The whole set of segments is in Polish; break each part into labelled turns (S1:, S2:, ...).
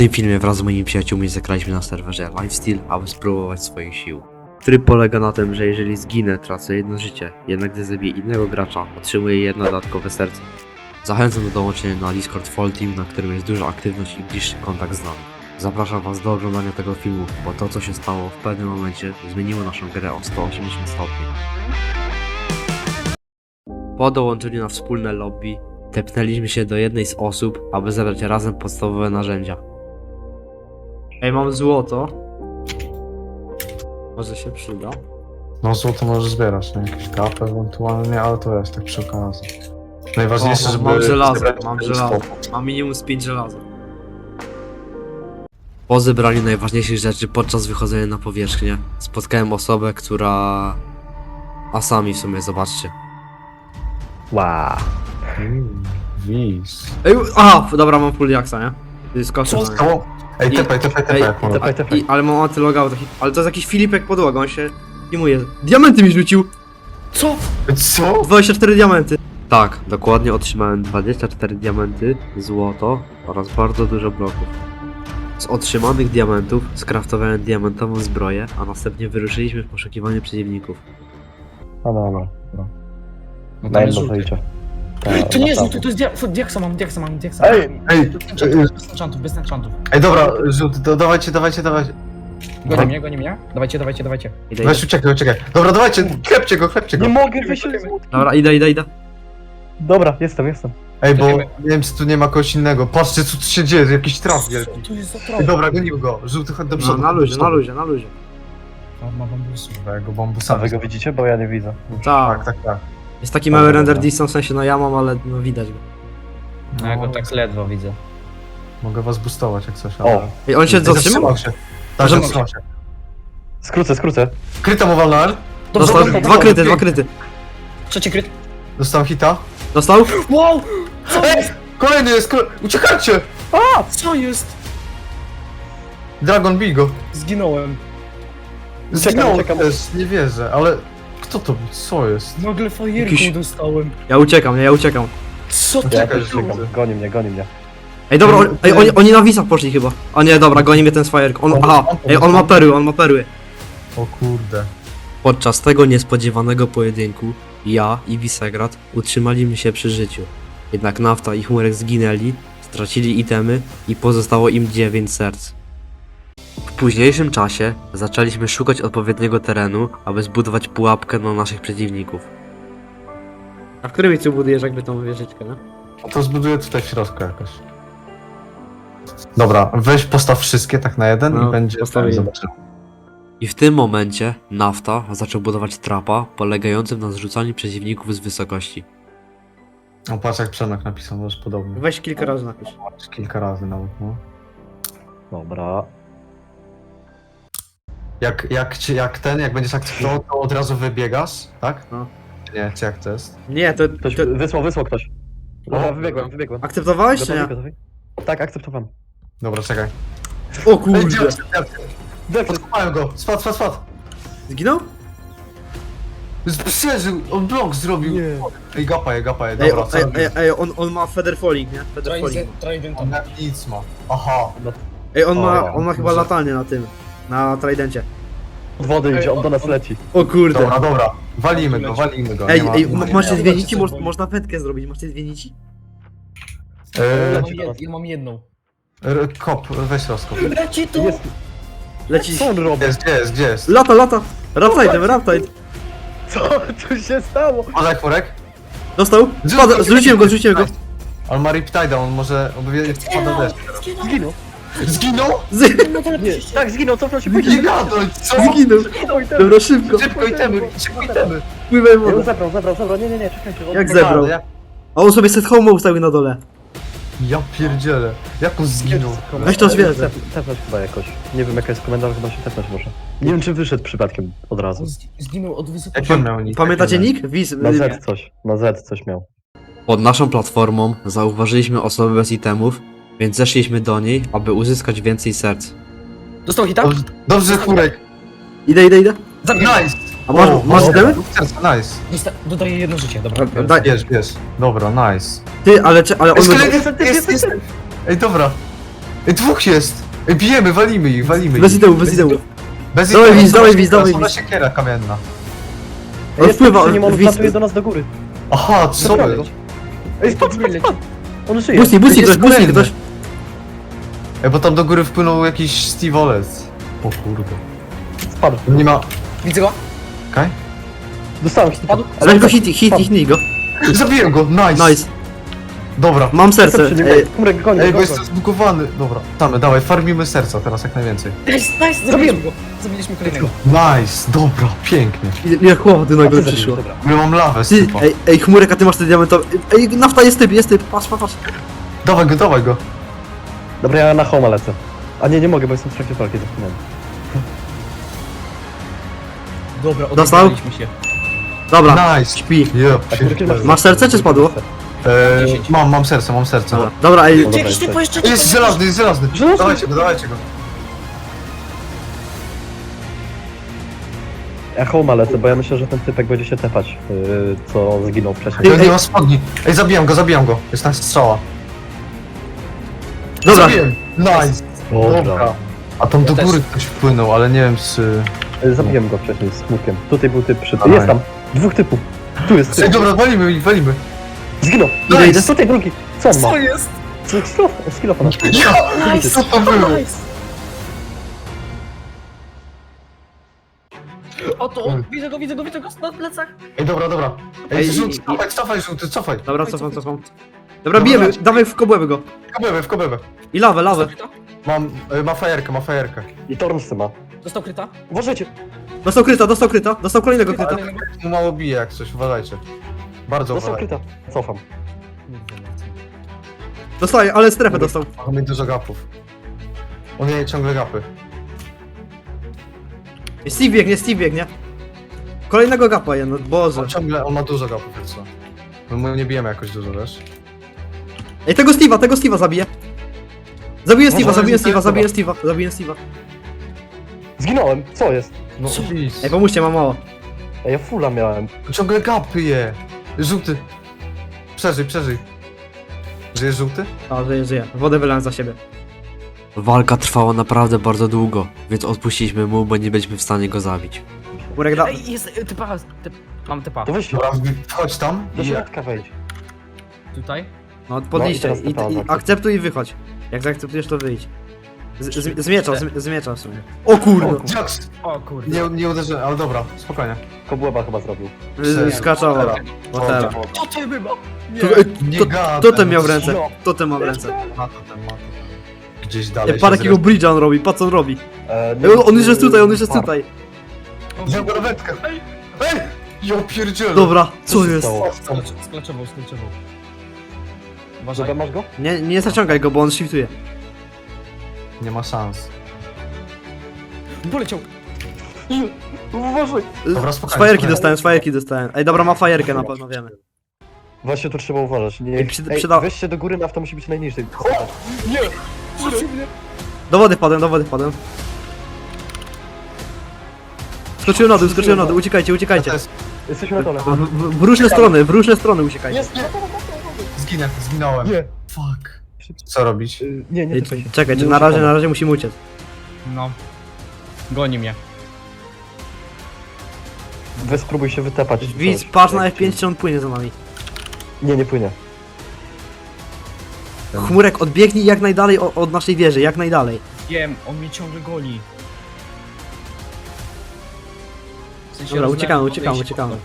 S1: tym filmie wraz z moimi przyjaciółmi zagraliśmy na serwerze Lifesteal, aby spróbować swoich sił. Tryb polega na tym, że jeżeli zginę, tracę jedno życie, jednak gdy zabiję innego gracza, otrzymuję jedno dodatkowe serce. Zachęcam do dołączenia na Discord Fall Team, na którym jest duża aktywność i bliższy kontakt z nami. Zapraszam was do oglądania tego filmu, bo to co się stało w pewnym momencie zmieniło naszą grę o 180 stopni. Po dołączeniu na wspólne lobby, tepnęliśmy się do jednej z osób, aby zebrać razem podstawowe narzędzia. Ej, mam złoto. Może się przyda.
S2: No złoto możesz zbierać, nie? Jakieś kapy ewentualnie, ale to jest tak przy okazji. Najważniejsze, żeby...
S1: Mam żelazo,
S2: zebrać
S1: mam
S2: stopy.
S1: żelazo. Mam minimum z 5 żelaza. Po zebraniu najważniejszych rzeczy podczas wychodzenia na powierzchnię spotkałem osobę, która... A sami w sumie, zobaczcie.
S3: Wow.
S2: Wiz.
S1: Ej, aha, dobra, mam full jaksa, nie? To jest koszem.
S2: Co? Ej,
S1: I-
S2: tepaj,
S1: Ej,
S2: jak może.
S1: Ale mam antylogout, ale to jest jakiś Filipek podłoga, on się filmuje. Diamenty mi rzucił!
S3: Co?
S2: Co?
S1: 24 diamenty! Tak, dokładnie otrzymałem 24 diamenty, złoto oraz bardzo dużo bloków. Z otrzymanych diamentów skraftowałem diamentową zbroję, a następnie wyruszyliśmy w poszukiwaniu przeciwników.
S3: No dobra.
S4: No
S3: Na
S4: tam jest
S3: jedno
S4: żółty.
S3: wyjdzie.
S4: To nie jest żółty, to jest diaksa mam.
S2: Ej,
S4: Bez enchantów, bez enchantów.
S2: ej, dobra, żółty, dawajcie.
S4: Goni mnie. Dawajcie.
S1: Idę,
S2: Weź, uciekaj. Dobra, dawajcie, klepcie go.
S3: Nie mogę wyjść z
S1: Dobra, idę.
S3: Dobra, jestem.
S2: Ej, bo
S4: Czekajmy.
S2: nie wiem, czy tu nie ma kogoś innego. Patrzcie, co tu się dzieje, jakiś traf
S4: Co
S2: wielki.
S4: tu jest za
S2: Ej,
S4: trochę?
S2: dobra, gonimy go. Żółty, chodź do
S1: No,
S2: przodu.
S1: na luzie.
S4: Ma bambusu.
S2: Dobra, ja go
S3: A
S2: bambusami.
S3: wy go widzicie? Bo ja nie widzę.
S1: Tak,
S2: Tak.
S1: jest taki mały render distance, w sensie no ja mam, ale no widać go.
S4: No ja go tak ledwo widzę.
S2: Mogę was boostować jak coś,
S3: O.
S2: ale...
S1: Ej, on się
S2: Ej,
S1: zatrzymał?
S2: się. Tak,
S1: Może-
S2: zatrzymał się.
S3: Skrócę.
S2: Kryta mu walnąłem.
S1: Dostał
S3: Dobrze,
S1: dwa kryty.
S4: Trzeci kryt.
S2: Dostałem hita.
S1: Dostał?
S4: Wow!
S2: Kolejny jest, uciekajcie!
S4: Co jest?
S2: Dragon bij go.
S4: Zginąłem.
S2: Zginął
S3: uciekam.
S2: też, nie wierzę, ale... Kto to był? Co jest?
S4: Nagle fajerką
S1: Jakiś-
S4: dostałem.
S1: Ja uciekam.
S4: Co to
S3: Ja
S2: Czekaj,
S3: też
S2: żółty.
S3: czekam. Goni mnie.
S1: Ej, dobra, oni na wisach poszli chyba. O nie, dobra, goni mnie ten Swajerk. On ma perły.
S2: O kurde.
S1: Podczas tego niespodziewanego pojedynku ja i Visegrad utrzymaliśmy się przy życiu. Jednak Nafta i Chmurek zginęli, stracili itemy i pozostało im 9 serc. W późniejszym czasie zaczęliśmy szukać odpowiedniego terenu, aby zbudować pułapkę na naszych przeciwników. A w którym miejscu budujesz jakby tą wieżyczkę, no?
S2: To zbuduję tutaj w środku jakoś. Dobra, weź postaw wszystkie tak na jeden
S1: No,
S2: i będzie...
S1: postawię.
S2: Zobaczymy.
S1: I w tym momencie Nafta zaczął budować trapa polegającym na zrzucaniu przeciwników z wysokości.
S2: O, patrz jak Przemek napisał, może podobnie.
S1: Weź kilka razy napisz.
S2: Kilka razy nawet, no.
S3: Dobra.
S2: Jak będziesz akceptował, to od razu wybiegasz, tak?
S1: No.
S2: Nie, czy jak to jest?
S1: Nie, to...
S3: Ktoś wysłał ktoś. Dobra, wybiegłem.
S1: Akceptowałeś czy nie?
S3: Gotowi? Tak, akceptowałem.
S2: Dobra, czekaj.
S1: O kurde.
S2: Podkopałem go! Spadł!
S1: Zginął?
S2: Przeżył! On blok zrobił!
S3: Nie.
S2: Ej, gapa je,
S1: Ej,
S2: dobra, co robisz?
S1: on ma feather falling, nie? Feather falling.
S4: Trident.
S2: On jak nic ma. Aha!
S1: Ej, on
S3: O,
S1: ma chyba latanie na tym. Na tridencie.
S3: Od wody idzie, on do nas leci.
S1: O kurde.
S2: Dobra. Walimy go.
S1: Ej,
S2: nie ma...
S1: macie dwie
S4: nie,
S1: nici?
S4: nie,
S1: Można wędkę zrobić, macie dwie nici?
S4: Ja mam jedną.
S2: Kop, weź rozkop.
S4: Leci tu!
S3: Jest.
S1: Leci.
S3: Co on robi?
S2: Gdzie jest?
S1: Lata! Raptide.
S3: Co tu się stało?
S2: Podaj chmurek.
S1: Dostał? Spada, zrzuciłem go.
S2: On ma Riptide'a, on może... Spada deszcz.
S3: Zginął.
S2: Zginął?
S3: Nie, tak zginął, cofnął się.
S2: Nie gadaj, co?
S1: Zginął.
S3: Zginął i ten.
S1: Dobra, szybko.
S2: Szybko itemy.
S1: Pływaj
S3: Nie, on
S1: wodę.
S3: zabrał. Nie, czekajcie. on-
S1: Jak zebrał? A on sobie set home ustawił na dole.
S2: Ja pierdzielę. Jak on zginął?
S1: Weź to zwierzę.
S3: Tepnąć chyba jakoś. Nie wiem jaka jest komenda, ale chyba się tepnąć może. Nie wiem czy wyszedł przypadkiem od razu.
S4: Zginął od wysokości.
S2: Jak on miał nic?
S1: Pamiętacie nick?
S3: Na Z coś miał.
S1: Pod naszą platformą zauważyliśmy osobę bez itemów, więc zeszliśmy do niej, aby uzyskać więcej serc.
S4: Dostał hita?
S2: Dobrze, chmurek.
S1: Idę.
S4: Zabiję.
S2: Nice.
S1: A masz itemy?
S2: Nice.
S4: Dodaję jedno życie, dobra.
S1: Daj.
S2: Bierz. Dobra, nice.
S1: Ty, ale on...
S2: Jest. Ej, dobra. Ej, dwóch jest! Ej, bijemy, walimy ich, walimy
S1: Bez
S2: ich.
S1: ideu, bez ideu.
S2: Bez
S1: Dawaj
S2: idei,
S1: widz, dawaj
S2: zobacz,
S1: widz, dawaj
S2: zobacz
S1: widz.
S2: siekiera kamienna.
S1: On wpływa,
S3: Nie on
S1: widz.
S3: wlatuje do nas do góry.
S2: Aha, co
S3: Naprawdę.
S2: wy?
S3: Ej, spadł,
S4: Góry leci.
S3: on żyje.
S1: Busti, busti
S2: Jest
S1: ktoś, busti
S2: kolejny.
S1: ktoś.
S2: Ej, bo tam do góry wpłynął jakiś Steve Olec. O kurde.
S3: Spadł.
S2: Nie ma...
S4: Widzę go?
S2: Okej?
S3: Dostałem hita.
S4: Padł?
S1: Weź go hitnij go.
S2: Zabiłem go, nice!
S1: Nice.
S2: Dobra.
S1: Mam serce. Ej,
S3: Kumrek, goni,
S2: Ej, bo
S3: goni.
S2: jestem zbugowany. Dobra. Tamy, dawaj, farmimy serca teraz jak najwięcej.
S4: Nice, zabiliśmy go. Zabiliśmy kolejnego.
S2: Nice, dobra, pięknie.
S1: ile chłopy nagle
S3: A ty
S1: przyszło.
S3: zabijesz, dobra.
S2: Ja mam lawę z
S1: Ty,
S2: typa.
S1: ej, chmurek, a ty masz te diamentowe. Ej, nafta jest typ, patrz.
S2: Dawaj go, dawaj go.
S3: Dobra, ja na homa lecę. A nie mogę, bo jestem w trakcie walki, zapomniałem.
S4: Dobra,
S1: Dostał?
S4: odegraliśmy się.
S1: Dobra,
S2: Nice.
S1: śpi.
S2: Yep.
S3: A Kumrek, ile
S1: Masz serce, czy spadło?
S2: Mam serce, mam serce.
S1: Dobra, ej,
S3: Dobra,
S4: Jakiś typ jeszcze
S2: Jest żelazny, jest żelazny.
S3: Żelazny.
S2: Dawajcie go, dawajcie go.
S3: Ja homa lecę, bo ja myślę, że ten typek będzie się tepać, co zginął wcześniej.
S2: Ja nie ma spodni. Ej, zabijam go. Jest na strzała.
S1: dobra.
S2: Zabiłem. Nice. Dobra. A tam do
S4: Ja
S2: góry ktoś wpłynął, ale nie wiem czy...
S3: Zabiłem go wcześniej z smutkiem. Tutaj był typ przy...
S2: Dawaj.
S3: Jest tam! Dwóch typów! Tu jest
S2: Ej,
S3: typ!
S2: dobra, walimy ich, walimy.
S3: Zginął!
S2: Nice.
S3: Idę, tutaj drugi! Co on ma?
S4: Co jest?
S3: Skillofa na
S4: Nice.
S2: Co to było?
S4: Nice. Oto, widzę go na plecach.
S2: Ej, dobra.
S1: Ej,
S2: Ej, cofaj, żółty, cofaj.
S1: Dobra, cofam. Dobra, bijemy, dawaj w kobłęby go.
S2: W kobłębę.
S1: I lawę.
S2: Ma fajerkę.
S3: I Tormsy ma.
S4: Dostał kryta.
S3: Uważajcie!
S1: Dostał kryta, dostał kolejnego kryta.
S2: Mu mało bije jak coś, uważajcie. Bardzo
S3: Dostał
S2: uważajcie.
S3: kryta. Cofam.
S1: Dostaje, ale strefę dostał.
S2: Mogą mieć dużo gapów. On nie ciągle gapy.
S1: Steve biegnie. Kolejnego gapa jedno, boże.
S2: On ma dużo gapów, jak co. My mu nie bijemy jakoś dużo, wiesz?
S1: Ej, tego Steve'a zabiję. Zabiję
S2: Może
S1: Steve'a.
S3: Zginąłem! Co jest?
S2: No,
S4: Co?
S2: please.
S1: Ej, pomóżcie, mam mało.
S3: Ej, ja fulla miałem.
S2: Ciągle gapy je. Żółty. Przeżyj. Żyjesz żółty?
S1: A, żyje. Wodę wylałem za siebie. Walka trwała naprawdę bardzo długo, więc odpuściliśmy mu, bo nie byliśmy w stanie go zabić. Kurek da...
S4: Ej, jest typa. Mam typa.
S3: To weź
S2: Dobra, wchodź tam.
S3: do
S2: i-
S3: środka wejdź.
S4: Tutaj.
S1: No, podliście.
S3: No i teraz
S1: I
S3: taka
S1: akceptuj i wychodź. Jak zaakceptujesz, to wyjdź. Z miecza w sumie. O kurno!
S2: Jax!
S4: O kurde.
S2: Nie uderzyłem, ale dobra, spokojnie.
S3: Kobłęba chyba zrobił.
S1: Skaczowa.
S2: Teraz.
S1: Whatever.
S4: Co to było?
S2: Nie
S1: To
S2: gadaj,
S1: ten miał w
S2: no,
S1: ręce.
S3: No.
S1: To ten ma w ręce.
S2: Ma to ten. Gdzieś dalej.
S1: Ej, parę jakiego bridge'a on robi, patrz co on robi. Ej, on już jest tutaj.
S2: Wziął go na wędkę. Ej! Ja pierdzielę.
S1: Dobra, co jest?
S4: Sklaczował.
S3: Dobra,
S4: Uważaj.
S3: masz go?
S1: Nie zaciągaj go, bo on shiftuje.
S2: Nie ma szans.
S4: Poleciał.
S3: Uważaj!
S2: Dobra,
S1: Z
S2: spokojnie,
S1: fajerki dostałem. Ej, dobra, ma fajerkę na pewno, wiemy.
S3: Właśnie tu trzeba uważać. Nie,
S1: Ej, przyda-
S3: weź się do góry, nafta musi być najniżej.
S1: Do wody wpadłem. Skoczyłem na dół, uciekajcie.
S2: To jest...
S3: Jesteśmy na dole.
S1: W różne strony uciekajcie.
S3: Jest, nie!
S2: Zginąłem.
S3: Nie.
S2: Fuck. Co robić?
S3: Nie
S1: Ej,
S3: typaj się.
S1: czekaj,
S3: Nie
S1: na
S3: uciekamy.
S1: razie musimy uciec.
S4: No. Goni mnie.
S3: Weź spróbuj się wytepać.
S1: Widz, patrz na F5, czy on płynie za nami.
S3: Nie płynie.
S1: Chmurek, odbiegnij jak najdalej od naszej wieży, jak najdalej.
S4: Wiem, on mnie ciągle goni. W sensie
S1: Dobra,
S4: rozlałem wodę
S1: uciekamy.
S4: i się cofnął.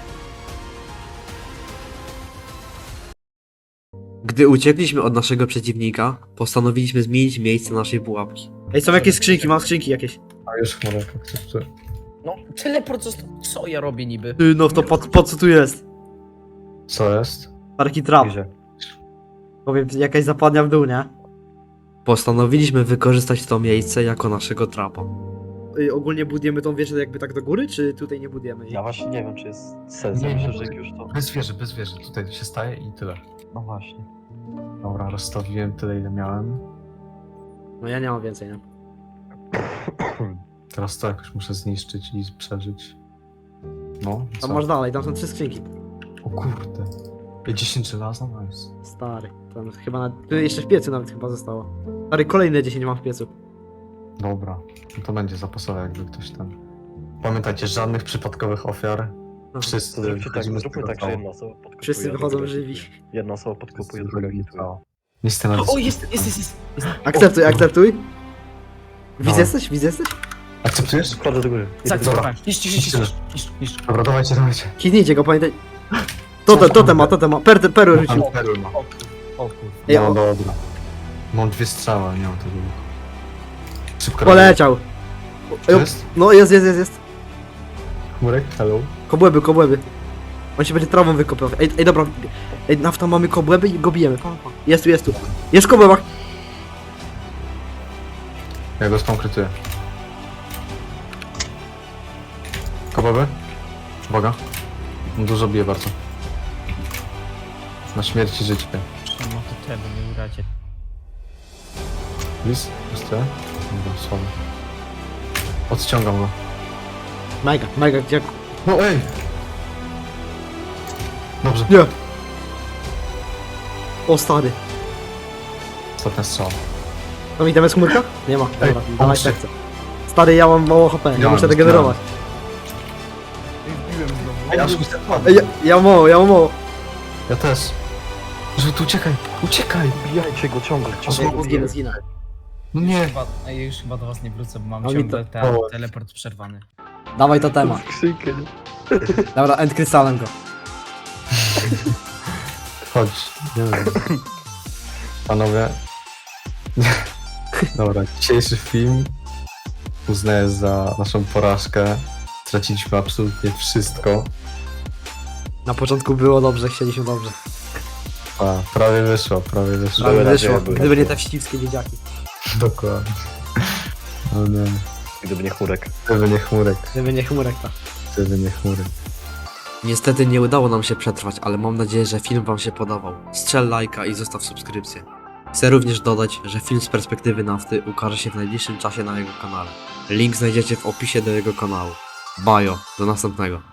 S1: Gdy uciekliśmy od naszego przeciwnika, postanowiliśmy zmienić miejsce naszej pułapki. Ej, są jakieś skrzynki, mam skrzynki jakieś.
S2: A już chmurek, jak coś tu.
S4: No, teleport został. Co ja robię niby?
S1: No to po co tu jest?
S2: Co jest?
S1: Parki trap.
S3: Gdzie?
S1: Powiem, jakaś zapadnia w dół, nie? Postanowiliśmy wykorzystać to miejsce jako naszego trapa. Ogólnie budujemy tą wieżę jakby tak do góry, czy tutaj nie budujemy?
S3: Ja właśnie nie wiem, czy jest sens.
S2: Nie,
S3: Ja
S2: nie,
S3: myślę, że jak już to...
S2: Bez wieży. Tutaj się staje i tyle.
S3: No właśnie.
S2: Dobra, rozstawiłem tyle, ile miałem.
S1: No ja nie mam więcej, nie?
S2: Teraz to jakoś muszę zniszczyć i przeżyć. No,
S1: Tam
S2: co?
S1: masz dalej, tam są 3 skrzynki.
S2: O kurde. I 10 żelaza? Nice.
S1: Stary, tam chyba jeszcze w piecu nawet chyba zostało. Stary, kolejne 10 mam w piecu.
S2: Dobra, no to będzie zapasowe, jakby ktoś tam... Pamiętajcie, żadnych przypadkowych ofiar.
S1: No,
S2: Wszyscy
S3: To zróbcie tak,
S2: wychodzimy z
S3: zróbmy
S2: tego
S3: tak, że
S2: cału.
S3: jedna osoba podkupuje.
S1: Wszyscy
S3: a
S1: wychodzą
S3: druga
S1: żywi.
S3: hituje. Jedna osoba podkupuje,
S2: Wszyscy
S3: druga
S2: wychodzimy z
S3: hituje.
S2: cału. Listy na
S4: O,
S2: dysku.
S4: jest.
S1: Akceptuj, akceptuj. Widz
S2: No.
S1: jesteś? Widz jesteś?
S2: Akceptujesz?
S3: Wchodzę do góry.
S4: Zaakceptowałem. Niszcz.
S2: Dobra, dawajcie.
S1: Kidnijcie go, pamiętaj. Totem ma. Perły rzucił.
S2: Mam perły, ma.
S4: O kur...
S1: Ej,
S2: No
S1: o,
S2: dobra. Mam 2 strzały, nie mam tego. Szybko.
S1: poleciał.
S2: To jest?
S1: No jest.
S2: Chmurek, hello.
S1: Kobłęby. On się będzie trawą wykopał. Ej, dobra. Ej, nafta, mamy kobłęby i go bijemy. Pa. Jest tu. Jest w kobłębach.
S2: Ja go skonkretuję. Kobowy? Uwaga. On dużo bije bardzo. Na śmierć i życie.
S4: No to tego nie uracie.
S2: Lis? Jeszcze? Dobra, słaby. Odciągam go.
S1: Mega, gdzie...
S2: No ej! Dobrze,
S1: Nie. O, stary.
S2: ostatnia strzała.
S1: Tam idziemy z chmurka? Nie ma. Dobra,
S2: Ej,
S1: dawaj
S2: pomóżcie.
S1: serce. Stary, ja mam mało HP, ja
S2: Ja
S1: muszę
S2: mam
S1: regenerować.
S4: Wbiłem znowu.
S2: Ej, aż mi
S1: Ej, ja mam mało.
S2: Ja też. Że tu uciekaj!
S3: Bijajcie go, ciągle.
S1: Zginę.
S2: No nie!
S4: Ej, już chyba do was nie wrócę, bo mam
S1: A mi
S4: ciągle
S1: to-
S4: ten teleport przerwany.
S1: Dawaj to temat.
S3: Skrzynkę, nie?
S1: Dobra, end krystalem go.
S2: Chodź. Nie wiem. Panowie. Dobra, dzisiejszy film uznaję za naszą porażkę. Straciliśmy absolutnie wszystko.
S1: Na początku było dobrze, chcieliśmy dobrze.
S2: A, prawie wyszło.
S1: Ale
S3: Były
S1: wyszło,
S3: nadzieje, były
S1: gdyby nie
S3: nadzieje.
S1: te wścibskie dzieciaki.
S2: Dokładnie. No nie.
S3: Gdyby nie chmurek.
S2: Gdyby nie chmurek.
S1: Gdyby nie chmurek, tak.
S2: Gdyby nie chmurek.
S1: Niestety nie udało nam się przetrwać, ale mam nadzieję, że film wam się podobał. Strzel lajka i zostaw subskrypcję. Chcę również dodać, że film z perspektywy nafty ukaże się w najbliższym czasie na jego kanale. Link znajdziecie w opisie do jego kanału. Bajo, do następnego.